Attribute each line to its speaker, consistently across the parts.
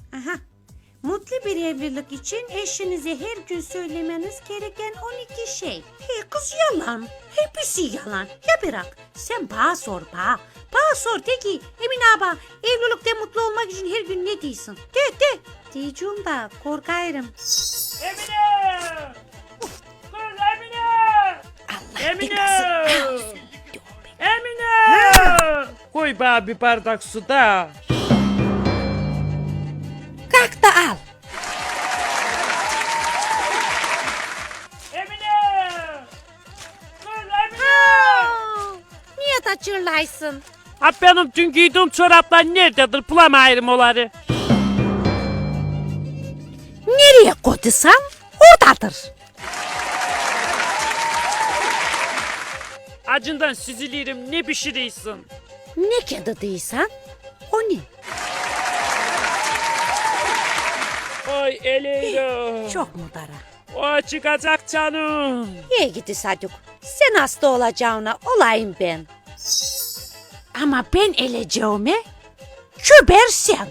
Speaker 1: Aha. Mutlu bir evlilik için eşinize her gün söylemeniz gereken 12 şey. Hey kız yalan. Hepsi yalan. Ya bırak. Sen bana sor bana. Bana sor de ki Emine abla evlilikte mutlu olmak için her gün ne diyorsun? De. Diyeceğim da korkarım.
Speaker 2: Emine! Kız Emine!
Speaker 1: Allah
Speaker 2: Emine!
Speaker 1: belasın.
Speaker 2: Emine! Koy bana bir bardak su da.
Speaker 1: Kalk da al.
Speaker 2: Emine! Kız Emine!
Speaker 1: Niye de çırlaysın?
Speaker 2: Ha benim dün giydiğim çoraplar nerededir? Bulamayırım onları.
Speaker 1: Nereye koydusam oradadır.
Speaker 2: Acından süzülürüm, ne pişiriyorsun?
Speaker 1: Ne kedi değilsen o ne?
Speaker 2: Oy Eleyla.
Speaker 1: Çok mu dara?
Speaker 2: O çıkacak canım.
Speaker 1: İyi gidi Saduk. Sen hasta olacağına olayım ben. Ama ben eleceğime küber sen.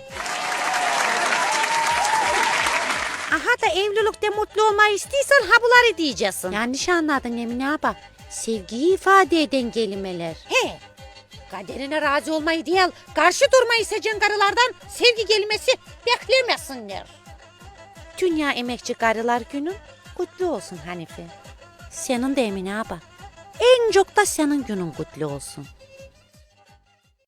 Speaker 1: Aha da evlilikte mutlu olmayı istiyorsan ha bunları diyeceksin. Yanlış anladın Emine abla. Sevgiyi ifade eden kelimeler. He. Kaderine razı olmayı değil, karşı durmayı seçen karılardan sevgi kelimesi beklemesinler. Dünya Emekçi Karılar Günü kutlu olsun Hanife. Senin de Emine abla. En çok da senin günün kutlu olsun.